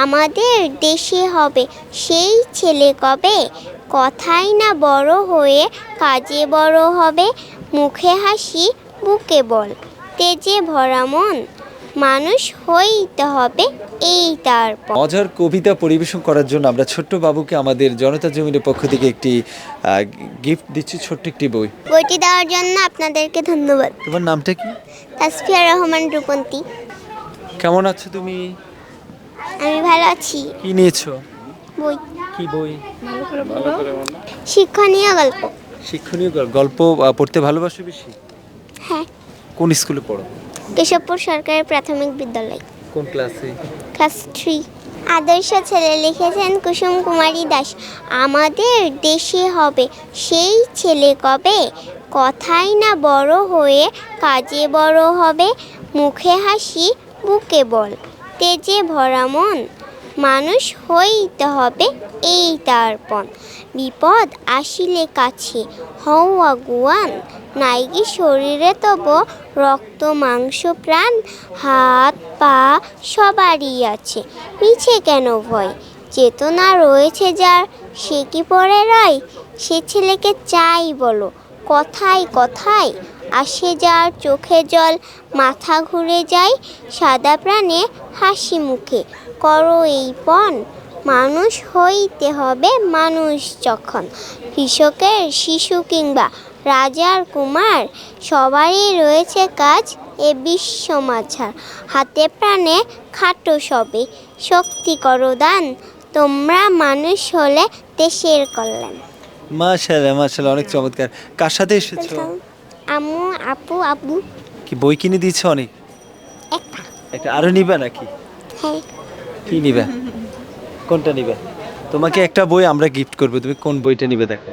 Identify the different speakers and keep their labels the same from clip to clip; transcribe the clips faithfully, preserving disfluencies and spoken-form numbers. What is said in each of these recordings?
Speaker 1: আমাদের দেশে হবে সেই ছেলে কবে, কথাই না বড় হয়ে কাজে বড় হবে, মুখে হাসি বুকে বল, তেজে ভরা মন, মানুষ হইতে হবে এই তার পণ।
Speaker 2: মজার কবিতা পরিবেশন করার জন্য আমরা ছোট্ট বাবুকে আমাদের জনতা জমিনের পক্ষ থেকে একটি গিফট দিচ্ছি, ছোট্ট একটি বই।
Speaker 1: বইটি দেওয়ার জন্য আপনাদেরকে ধন্যবাদ।
Speaker 2: তোমার নামটা কি?
Speaker 1: তাসফিয়া রহমান রূপন্তী।
Speaker 2: কেমন আছো তুমি?
Speaker 1: আমি ভালো আছি।
Speaker 2: কি নিয়েছো?
Speaker 1: বই।
Speaker 2: কি বই?
Speaker 1: শিক্ষণীয় গল্প।
Speaker 2: শিক্ষণীয় গল- গল্প আহ, পড়তে ভালোবাসো বেশি?
Speaker 1: হ্যাঁ।
Speaker 2: কোন স্কুলে পড়ো?
Speaker 1: কেশবপুর সরকারি প্রাথমিক বিদ্যালয়,
Speaker 2: কোন ক্লাসে?
Speaker 1: Class three. আদর্শ ছেলে লিখেছেন কুসুম কুমারী দাস। আমাদের দেশে হবে সেই ছেলে কবে, কথাই না বড় হয়ে কাজে বড় হবে, মুখে হাসি বুকে বল, তেজে ভরা মন, মানুষ হইতে হবে এই তার পণ। বিপদ আসিলে কাছে হও আগুয়ান, নাইকি শরীরে তব রক্ত মাংস প্রাণ, হাত পা সবারই আছে, মিছে কেন ভয়, চেতনা রয়েছে যার সে কি পড়ে রয়, সে ছেলেকে চাই বলো কথায় কথায়, আসে যার চোখে জল মাথা ঘুরে যায়, সাদা প্রাণে হাসি মুখে করো এই পণ, মানুষ হইতে হবে মানুষ যখন, কৃষকের শিশু কিংবা রাজার কুমার, সবারই রয়েছে কাজ এ বিশ্ব মাঝার, হাতে প্রাণে খাটো সবে শক্তি করো দান, তোমরা মানুষ হলে দেশের কল্যাণ।
Speaker 2: মাশাআল্লাহ মাশাআল্লাহ, অনেক চমৎকার। কার সাথে এসেছো?
Speaker 1: আম্মু আপু আব্বু।
Speaker 2: কি বই কিনে দিয়েছো অনেক?
Speaker 1: একটা।
Speaker 2: একটা আরো নিবা নাকি?
Speaker 1: হ্যাঁ।
Speaker 2: কি নিবা? কোনটা নিবে? তোমাকে একটা বই আমরা গিফট করব, তুমি কোন বইটা নিবে দেখো।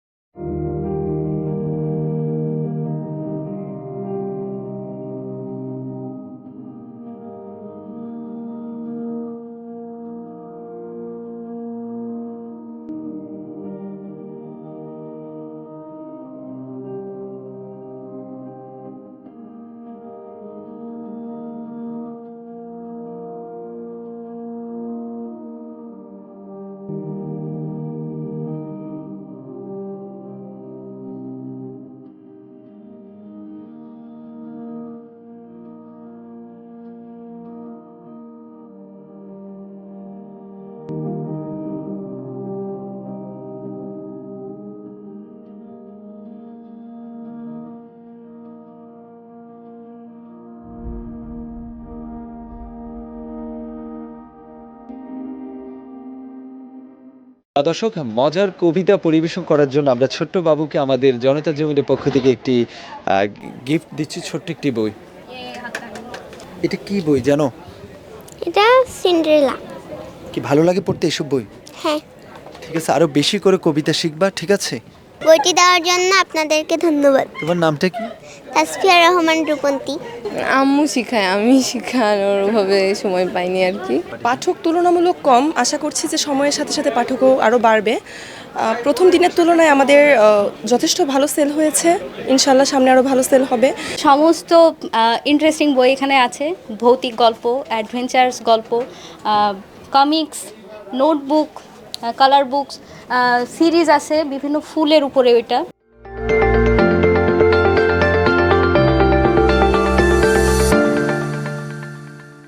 Speaker 2: দর্শক, মজার কবিতা পরিবেশন করার জন্য আমরা ছোট্ট বাবুকে আমাদের জনতা জমিনের পক্ষ থেকে একটি গিফট দিচ্ছি, ছোট্ট একটি বই। এটা কি বই জানো?
Speaker 1: এটা সিন্ড্রেলা।
Speaker 2: কি ভালো লাগে পড়তে এসব বই?
Speaker 1: হ্যাঁ।
Speaker 2: ঠিক আছে, আরো বেশি করে কবিতা শিখবা, ঠিক আছে?
Speaker 1: বইটি দেওয়ার জন্য আপনাদেরকে ধন্যবাদ।
Speaker 2: তোমার নামটা কি?
Speaker 1: তাসফিয়া রহমান রূপন্তী।
Speaker 3: আম্মু শিখায়, আমি শিখানোর ওভাবে সময় পাইনি আর কি। পাঠক তুলনামূলক কম, আশা করছি যে সময়ের সাথে সাথে পাঠকও আরও বাড়বে। প্রথম দিনের তুলনায় আমাদের যথেষ্ট ভালো সেল হয়েছে, ইনশাল্লাহ সামনে আরও ভালো সেল হবে।
Speaker 4: সমস্ত ইন্টারেস্টিং বই এখানে আছে, ভৌতিক গল্প, অ্যাডভেঞ্চার্স গল্প, comics, notebook, colour books, series আছে বিভিন্ন ফুলের উপরে, ওইটা